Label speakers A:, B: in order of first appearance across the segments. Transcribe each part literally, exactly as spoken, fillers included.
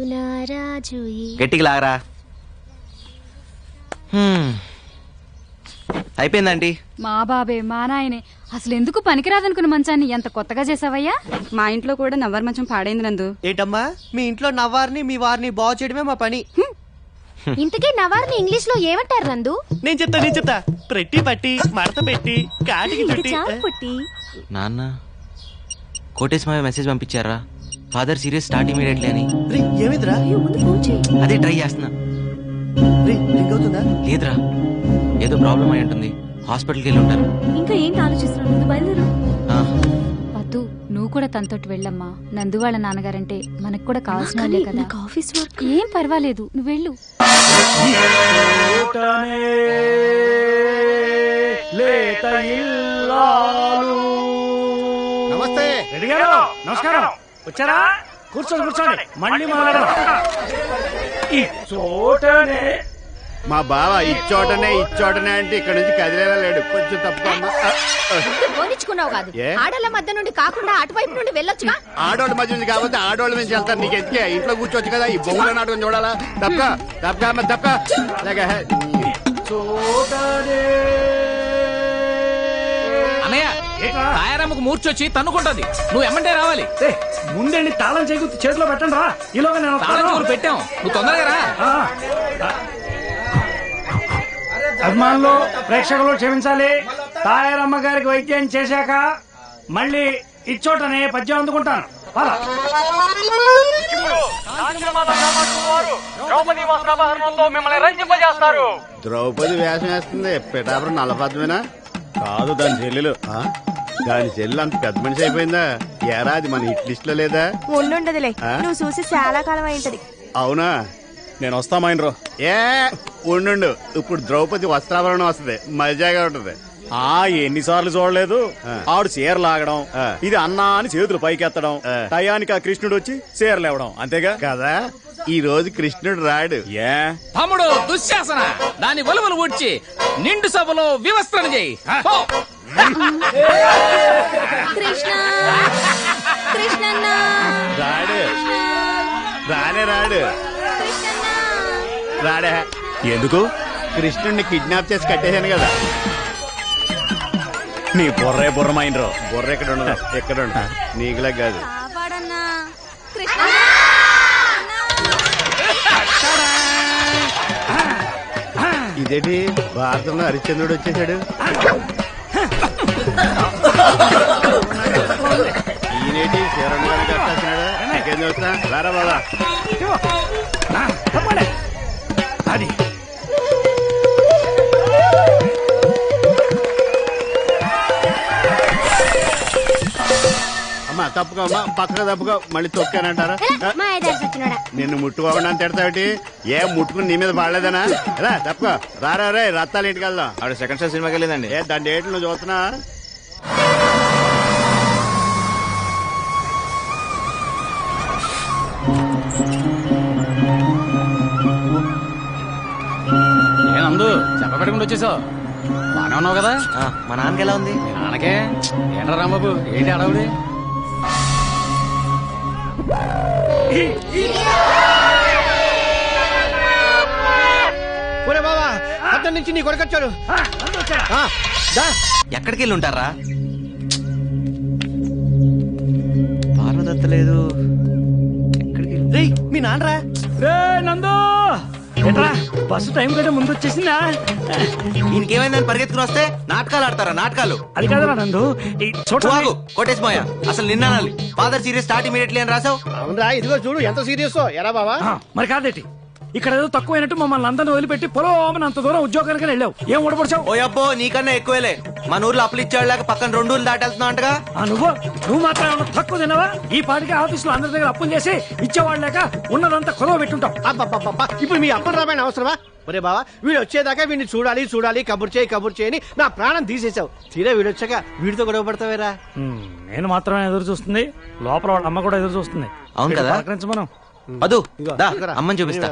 A: గట్టిగా లాగరా. అయిపోయిందండి.
B: మా బాబే మా నాయనే అసలు ఎందుకు పనికిరాదనుకున్న మంచాన్ని ఎంత కొత్తగా చేసావయ్యా.
C: మా ఇంట్లో కూడా నవ్వారు మంచం పాడైంది నందు.
D: ఏంటమ్మా మీ ఇంట్లో నవ్వారిని మీ వారిని బాగు చేయడమే మా పని.
E: ఇంతకీ నవారిని ఇంగ్లీష్ లో ఏమంటారు నందు?
D: నేను చెప్తా నేను చెప్తా ప్రట్టి పట్టి మడత పెట్టి కాటికి చుట్టి.
A: నాన్న కోటేశ్వర మెసేజ్ పంపించారా ఫాదర్ సీరియస్ స్టార్ట్ ఇమీడియట్లీ అని.
D: ఏమిద్రా
A: అదే ట్రై చేస్తున్నా.
D: అవుతుందా
A: లేదురా ఏదో ప్రాబ్లం అయి ఉంటుంది. హాస్పిటల్కి వెళ్ళి ఉంటారు.
E: ఇంకా ఏంటి ఆలోచిస్తున్నావు? బయలుదేరు.
B: పద్దు నువ్వు కూడా తనతోటి వెళ్ళమ్మా. నందు వాళ్ళ నాన్నగారంటే మనకు కూడా కావాల్సిన వాళ్ళే కదా.
E: ఆఫీస్ వర్క్
B: ఏం పర్వాలేదు నువ్వు వెళ్ళు.
F: నమస్తే
G: రెడ్డి గారు నమస్కారం. వచ్చారా? కూర్చోండి కూర్చోండి. మళ్ళీ మొదలెడదాం. ఈ చోటనే
F: మా బావ ఇచ్చోటనే ఇచ్చోటనే అంటే ఇక్కడ నుంచి కదిలేలా లేడు. కొంచెం తప్పుకోమ్మా.
E: పోనిచ్చుకున్నావు కాదు, ఆడల మధ్య నుండి కాకుండా అటువైపు నుండి వెళ్ళొచ్చుగా.
F: ఆడోళ్ళ మధ్య నుంచి కాబట్టి ఆడోళ్ళ నుంచి వెళ్తారు. నీకు ఎందుకే ఇంట్లో కూర్చోవచ్చు కదా. ఈ బొమ్మల నాటకం చూడాలా? తప్ప తప్ప తప్ప
H: అన్నయ్య తాయారమ్మకు మూర్చొచ్చి తన్నుకుంటది. నువ్వు ఎమ్మంటే రావాలి.
G: ముందండి తాళం చేకూర్చి చేతిలో పెట్టండి రా. ఈలోగా నేను
H: తాళం పెట్టాం. నువ్వు తొందరగా రా.
G: అభిమానులు ప్రేక్షకులు క్షమించాలి. తాయారమ్మ గారికి వైద్యం చేశాక మళ్ళీ ఇచ్చోటనే పద్యం అందుకుంటాను.
F: ద్రౌపది వేషం వేస్తుంది. పిఠాపురం నల్లపద్మేనా? కాదు దాని చెల్లెలు. దాని చెల్లెలు అంత పెద్ద మనిషి అయిపోయిందా? ఏరా అది మన హిట్ లిస్ట్ లో లేదా?
E: ఉండుండదులే, నువ్వు చూసి చాలా కాలం అయింటది.
F: అవునా?
I: నేను వస్తామైనరో.
F: ఏ ఉండు, ఇప్పుడు ద్రౌపది వస్త్రాభరణం వస్తుంది, మజాగా ఉంటది.
I: ఆ ఎన్నిసార్లు చూడలేదు. ఆవిడ చీర లాగడం, ఇది అన్నా అని చేతులు పైకెత్తడం, టయానికి ఆ కృష్ణుడు వచ్చి చీరలు ఇవ్వడం, అంతేగా
F: కదా. ఈ రోజు కృష్ణుడు రాడు.
I: ఏ
H: తమ్ముడు దుశ్శాసన దాని వలువలు ఊడ్చి నిండు సభలో వివస్త్రణ చేయి.
E: కృష్ణ కృష్ణన్న
F: రాడు రానే రాడు రాడే.
I: ఎందుకు?
F: కృష్ణుడిని కిడ్నాప్ చేసి కట్టేశాను కదా.
I: నీ బుర్రే బుర్రమైనరో.
F: బుర్ర ఎక్కడ ఉండదు, ఎక్కడ ఉండదు. నీకులా కాదు. ఇదేంటి భారతంలో హరిశ్చంద్రుడు వచ్చేసాడు. ఈయనేటి శరణ్ గారు కట్టాల్సినాడు. ఇంకేం చూస్తా రారా బాబా.
G: అది
F: అమ్మా తప్పుకో అమ్మా, పక్కన తప్పుకో. మళ్ళీ తొక్కానంటారా? నిన్ను ముట్టుకోకుండా తిడతావిటి? ఏ ముట్టుకుని నీ మీద పడలేదనా? రా తప్పుకో. రారా రే రత్తాలు ఇంటికి వెళ్దాం.
A: ఆవిడ సెకండ్ షో సినిమాకి వెళ్ళిందండి.
F: ఏ దాని డేట్లు నువ్వు చూస్తున్నా?
H: ఏనందు చెప్పబెట్టకుండా వచ్చేసావు. బానే ఉన్నావు కదా?
A: మా నాన్నకి ఎలా ఉంది?
H: మీ నాన్నకే ఏంట్రా రాంబాబు ఏంటి అడవుడి?
D: బాబా అతని నుంచి నీ కొడుకొచ్చాడు.
A: ఎక్కడికి వెళ్ళి ఉంటారా? పార్వదత్త లేదు. ఎక్కడికి
D: రే మీ నాన్నరా?
G: రే నందు ఎట్రా బస్సు టైం కంటే ముందు వచ్చేసిందా?
A: ఇంకేమైందని పరిగెత్తుకుని వస్తే నాటకాలు ఆడతారా? నాటకాలు
G: అది కాదురా నందు.
A: చూడు కోటేశ్వర అసలు నిన్న ఫాదర్ సీరియస్ స్టార్ట్ ఇమీడియట్లీ అని రాసావు.
D: అవునరా, ఇదిగో చూడు ఎంత సీరియస్. ఎరా బాబా
G: మరి కాదేటి ఇక్కడ ఏదో తక్కువైనట్టు మమ్మల్ని అందరిని వదిలిపెట్టి పొలం అంత దూరం ఉద్యోగానికి వెళ్ళావు. ఏం ఓడపడిచావు?
A: ఓ అబ్బో నీకన్నా ఎక్కువేలే. మన ఊర్లో అప్పులు ఇచ్చాడు పక్కన రెండు ఊర్లు దాటెళ్తున్నావు అంటగా.
G: నువ్వు నువ్వు మాత్రం ఏమన్నా తక్కువ తినవా? ఈ పాటికి ఆఫీస్ లో అందరి దగ్గర అప్పులు చేసి ఇచ్చేవాళ్ళు లేక ఉన్నదంతా కొదవ పెట్టుంటావు.
D: అబ్బా ఇప్పుడు మీ అప్పని రామాయణ అవసరమా? ఒరే బావా వీడు వచ్చేదాకా వీడిని చూడాలి చూడాలి కబుర్ చేయి కబుర్ చేయని నా ప్రాణం తీసేసావు. తీరా వీడు వచ్చాక వీడితో గొడవ పడతావేరా?
G: నేను మాత్రమే ఎదురు చూస్తుంది, లోపల వాళ్ళ అమ్మ కూడా ఎదురు చూస్తుంది.
A: అవును కదా?
G: మనం
A: అదు అమ్మని చూపిస్తా.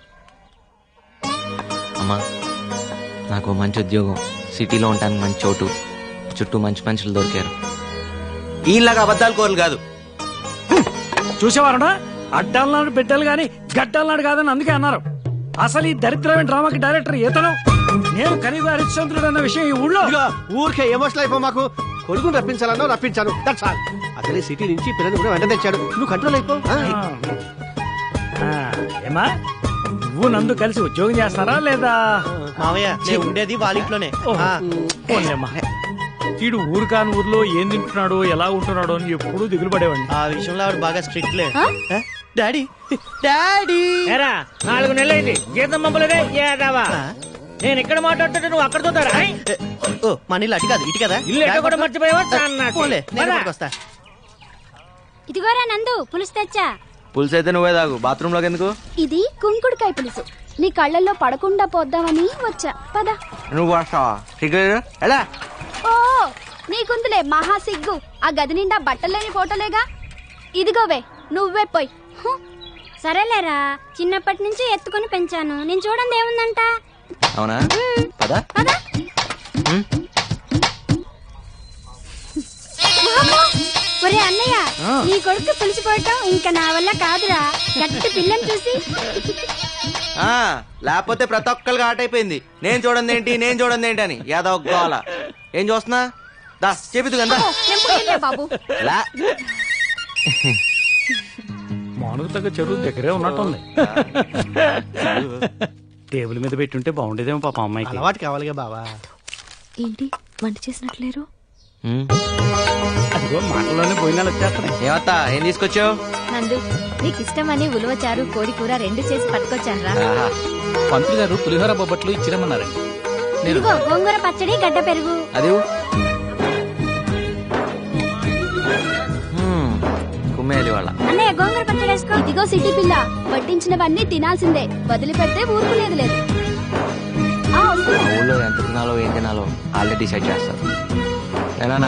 A: అమ్మా నాకు మంచి ఉద్యోగం, సిటీలో ఉంటాను, మంచి చోటు, చుట్టూ మంచి మనుషులు దొరికారు. ఈలాగా అబద్ధాలు కోరలు కాదు.
G: చూసేవారంట అడ్డాలనాడు బిడ్డలు గాని గడ్డలనాడు కాదని అందుకే అన్నారు. అసలు ఈ దరిద్రమైన డ్రామాకి డైరెక్టర్ ఈతను. నేను కనీవ హరిశ్చంద్రుడు అన్న విషయం ఈ ఊళ్ళో.
D: ఇదిగో ఊరికే ఎమోషనల్ అయిపో మాకు. కొడుకుని రప్పించాలన్నా రప్పించాను, దట్స్ ఆల్. అసలు సిటీ నుంచి పిల్లలు కూడా వెంట తెచ్చాడు, నువ్వు కంట్రోల్ అయిపో.
G: ఆ, ఏమా నువ్వు నందు కలిసి ఉద్యోగం చేస్తారా లేదా?
D: మావయ్య నేను ఉండేది వాళ్ళ ఇంట్లోనే.
G: వీడు ఊరు కాని ఊర్లో ఏం తింటున్నాడో ఎలా ఉంటున్నాడో అని ఎప్పుడూ దిగులు పడేవాడిని.
D: ఆ విషయంలో ఆవిడ బాగా స్ట్రిక్ట్ లే. డాడీ డాడీ
J: నాలుగు నెలలైంది జీతం పంపలేదే ఏదావా. నేను ఇక్కడ మాట్లాడుతుంటే నువ్వు అక్కడ చూతారా?
D: మన ఇల్లు అటు కాదు ఇటు కదా.
J: ఇల్లు ఎక్కడ కూడా మర్చిపోయావా?
D: వస్తా.
E: ఇదిగోరా నందు, పులుసు తెచ్చా.
A: పులుసు అయితే నువ్వే తాగు, బాత్రూమ్ లోకి ఎందుకు?
E: ఇది కుంకుడుకాయ పులుసు, నీ కళ్ళల్లో పడకుండా పోద్దామని వచ్చా. పద.
A: నువ్వు వస్తావా? సిగ్గు ఎలా?
E: ఓ నీకుందిలే మహా సిగ్గు. ఆ గది నిండా బట్టలేని ఫోటోలేగా. ఇదిగోవే నువ్వే పోయి. సరేలేరా, చిన్నప్పటి నుంచి ఎత్తుకుని పెంచాను, నేను చూడండి ఏముందంట.
A: అవునా? పద
E: పద. ఒరే అన్నయ్య, నీ కొడుకు పిలిచిపోయటం ఇంకా నా వల్ల కాదురా. గట్టి పిల్లని చూసి.
A: ఆ లేకపోతే ప్రతి ఒక్కరికి ఆట అయిపోయింది. నేను చూడండి ఏంటి నేను చూడండి ఏంటి అని యాదవ్ గోల. ఏం చూస్తున్నా? దా చేపిద్దు కదా
E: బాబు.
G: మానుగు తగ్గ చెరువు దగ్గరే ఉన్నట్టుంది. టేబుల్ మీద పెట్టుంటే బాగుండేదేమో పాప అమ్మాయికి.
D: అలవాటు కావాలిగా బావా.
E: ఏంటి వంట చేసినట్లేరు?
G: అదిగో మాటల్లోనే పోయినాలు వచ్చేస్తున్నాయి.
A: ఏమత్తా ఏం తీసుకొచ్చావు?
E: నందు నీకు ఇష్టమని ఉలవచారు కోడి కూర రెండు చేసి పట్టుకొచ్చాను రా.
H: పంతులు గారు పులిహోర బొబ్బట్లు ఇచ్చిరమ్మన్నారండి.
E: ఇదిగో గోంగూర పచ్చడి గడ్డ పెరుగు.
A: అది కుమ్మేయాలి వాళ్ళ.
E: అన్నయ్య గోంగూర పచ్చడి వేసుకో. ఇదిగో సిటీ పిల్ల, వడ్డించినవన్నీ తినాల్సిందే, వదిలిపెడితే ఊరుకునేది లేదు.
A: ఊళ్ళో ఎంత తినాలో ఏం తినాలో ఆల్రెడీ డిసైడ్ చేస్తారు. ఏనా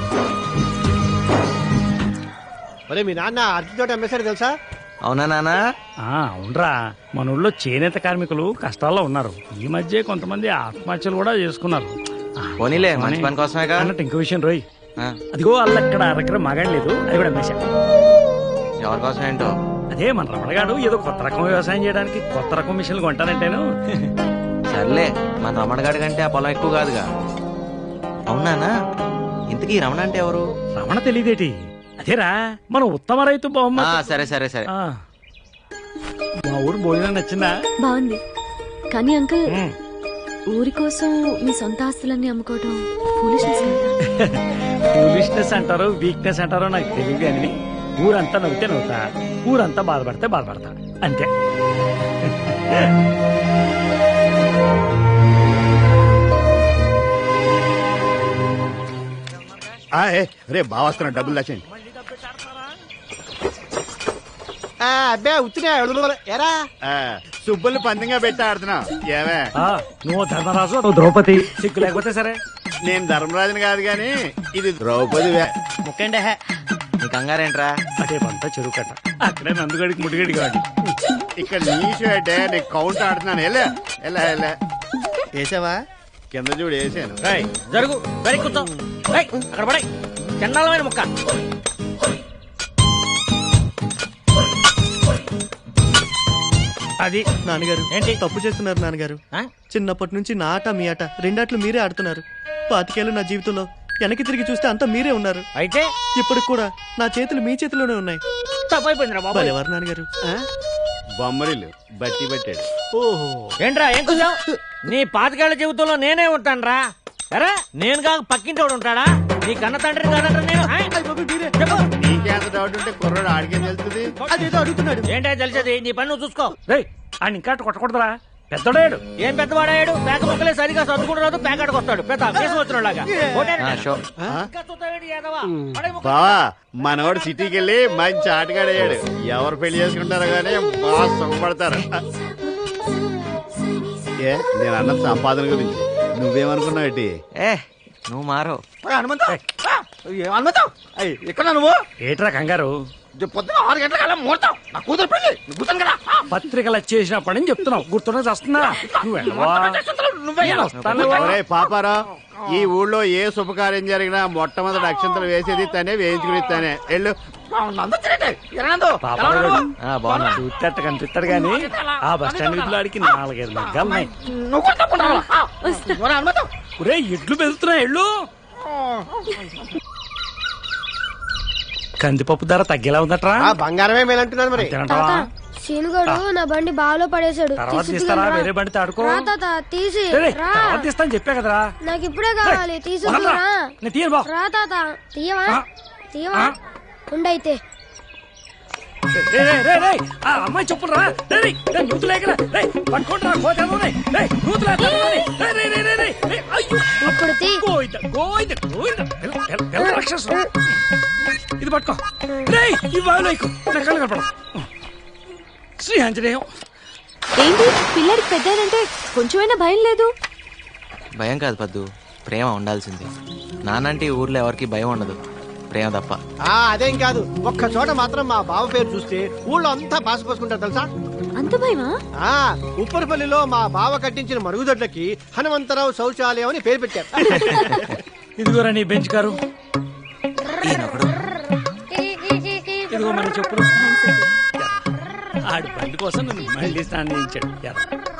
D: ఒరే మీ నాన్న అరటితోట అమ్మేశాడు తెలుసా?
A: అవునా నాన్న?
G: అవునరా, మన ఊళ్ళో చేనేత కార్మికులు కష్టాల్లో ఉన్నారు. ఈ మధ్య కొంతమంది ఆత్మహత్యలు కూడా చేసుకున్నారు.
A: పోనీలే మంచి పని కోసమే
G: అన్నట్టు ఇంకో విషయం రోయ్, అదిగో అల్లక్కడ అరకర మగాడలేదు, అది కూడా అమ్మేశా.
A: ఎవరి కోసం ఏంటో?
G: అదే మన రమణగాడు ఏదో కొత్త రకం వ్యవసాయం చేయడానికి కొత్త రకం మిషన్లు కొంటానంటేను.
A: సర్లే, మన రమణ గాడి కంటే ఆ పొలం ఎక్కువ కాదుగా. అవునానా? ఇంతకీ రమణ అంటే ఎవరు?
G: రమణ తెలియదేటి? అదేరా మన ఉత్తమ రైతు బహుమతి.
A: సరే సరే సరే.
G: మా ఊరు భోజనం నచ్చిందా?
K: బాగుంది. కానీ అంకుల్, ఊరి కోసం మీ సొంత ఆస్తులన్నీ అమ్ముకోవడం ఫూలిష్నెస్ కదా?
G: ఫూలిష్నెస్ అంటారో వీక్నెస్ అంటారో నాకు తెలియదు అని ఊరంతా నవ్వితే నవ్వుతా, ఊరంతా బాధపడితే బాధపడతా, అంతే.
F: రే బాగా వస్తున్నా, డబ్బులు దాచండి.
D: అబ్బే ఉత్తినే ఎరా
F: సుబ్బులు పందంగా పెట్టి ఆడుతున్నా. ఏమే
G: నువ్వు ధర్మరాజు, నువ్వు ద్రౌపది, సిగ్గు లేకపోతే సరే.
F: నేను ధర్మరాజుని కాదు గాని ఇది ద్రౌపది.
D: ముక్కండి
A: నీ కంగారేంట్రా?
G: అదే పంట చెరువు కట్ట, అక్కడే నందుగడికి ముడిగడి కాదు.
F: ఇక్కడ నీషు అంటే నీకు కౌంట్ ఆడుతున్నాను. ఎలా ఎలా ఎలా
D: వేసావా?
F: కింద చూడు వేసాను.
J: జరుగు వెరీ కూర్చో. అక్కడ పడే చండాలమైన ముక్క.
G: అది
D: నాన్నగారు
J: ఏంటి
D: తప్పు చేస్తున్నారు నాన్నగారు. చిన్నప్పటి నుంచి నా ఆట మీ ఆట రెండాట్లు మీరే ఆడుతున్నారు. పాతికేళ్ళు నా జీవితంలో వెనక్కి తిరిగి చూస్తే అంతా మీరే ఉన్నారు.
J: అయితే
D: ఇప్పుడు కూడా నా చేతులు మీ చేతిలోనే ఉన్నాయి.
J: తప్పైపోయిందిరా బాబు.
D: ఎవరు నాన్నగారు?
F: బొమ్మరిల్లు బట్టి పెట్టాడు.
D: ఓహో
J: ఏంట్రా ఏం కూర్చావు? నీ పాతికేళ్ల జీవితంలో నేనే ఉంటానురా. అరే నేను కాక పక్కింటి వాడు ఉంటాడా? నీ కన్న తండ్రి కాదంటారా నేను?
F: నీకేంత డౌట్ ఉంటే కుర్రాడు ఆడికేం తెలుస్తుంది?
D: అదేదో అడుగుతున్నాడు.
J: ఏంటో తెలిసేది, నీ పని నువ్వు చూసుకో.
G: ఆయన ఇంకా కొట్టకూడదురా, పెద్దడాడు.
J: ఏం పెద్దవాడాడు? పేక ముక్కలే సరిగా సర్దుకుంటూ రాదు, పేకాడికి వస్తాడు. పెద్ద కేసు వచ్చినలాగా.
F: బావా మనవాడు సిటీకి వెళ్ళి మంచి ఆటగాడయ్యాడు. ఎవరు పెళ్లి చేసుకుంటారో గానీ బాగా సుఖపడతారు. ఏ నేను అన్న సంపాదన గురించి నువ్వేమనుకున్నావు?
A: ఏ నువ్వు మారో
J: ఎక్కడ నువ్వు?
G: ఏట్రా కంగారు?
J: పొద్దున ఆరు గంటల ముహూర్తం, నా కూతురు పెళ్లి. కూతురు కదా
G: పత్రికలు వచ్చేసినప్పటి నుంచి చెప్తున్నావు, గుర్తున్నా వస్తున్నా.
F: పాపారా, ఈ ఊళ్ళో ఏ శుభకార్యం జరిగినా మొట్టమొదటి అక్షంతలు వేసేది తనే, వేయించుకుని తనే. వెళ్ళు.
A: ఆ, బాగున్నా
G: చూస్తేట కనిపిస్తాడు గాని ఆ బస్ స్టాండ్ వీధిలో ఆడికి నాలుగైదు లగ్గాలున్నాయి. ఒరే ఎడ్లు వెళ్తున్నాయి ఎళ్ళు. కందిపప్పు ధర తగ్గేలా ఉందట్రా?
D: ఆ బంగారమే మేలంటున్నాను మరి.
G: తినంటావా?
E: శీనుగాడు నా బండి బావిలో పడేశాడు.
G: తర్వాత తీస్తారా? వేరే బండి తాడుకో.
E: తీసి
G: రేయ్, తర్వాత తీస్తాను చెప్పా కదరా.
E: నాకు ఇప్పుడే కావాలి. తీసుకురా
G: నేను తీయను బా.
E: రా తాత. తీయవా తీయవా ఉండైతే.
G: రేయ్, రేయ్, రేయ్, రేయ్, ఆ అమ్మాయి చెప్పులు రా. రేయ్, రేయ్, రేయ్, నూతులేకరా. రేయ్, పట్టుకుంటారా కోతేమోనే. రేయ్, నూతులేస్తామోనే. రేయ్, రేయ్, రేయ్, రేయ్, రేయ్, రేయ్, అయ్యో.
E: ఇప్పుడు తీ.
G: గోయిద, గోయిద, గోయిద. పిల్ల, పిల్ల, పిల్ల రాక్షసు. ఇది పట్టుకో. రేయ్, ఈ బావిలో ఎక్కు. నా కళ్ళు కనపడవు. శ్రీ ఆంజనేయం.
K: ఏంటి పిల్లడికి పెద్దనంటే కొంచెమైనా భయం లేదు?
A: భయం కాదు పద్దు, ప్రేమ ఉండాల్సింది. నానంటే ఈ ఊర్లో ఎవరికి భయం ఉండదు, ప్రేమ తప్ప.
D: ఆ అదేం కాదు, ఒక్క చోట మాత్రం మా బావ పేరు చూస్తే ఊళ్ళో అంతా పాసిపోసుకుంటారు తెలుసా.
K: అంత భయమా?
D: ఆ ఉప్పరపల్లిలో మా బావ కట్టించిన మరుగుదొడ్లకి హనుమంతరావు శౌచాలయం అని పేరు పెట్టారు.
G: ఇదిగోరా నీ బెంచ్ కారు.
A: ఈయనొకడు.
G: ఇదిగో మన చెప్పులు. ఆడి బండి కోసం నన్ను మళ్ళీ స్నానం చేయించాడు.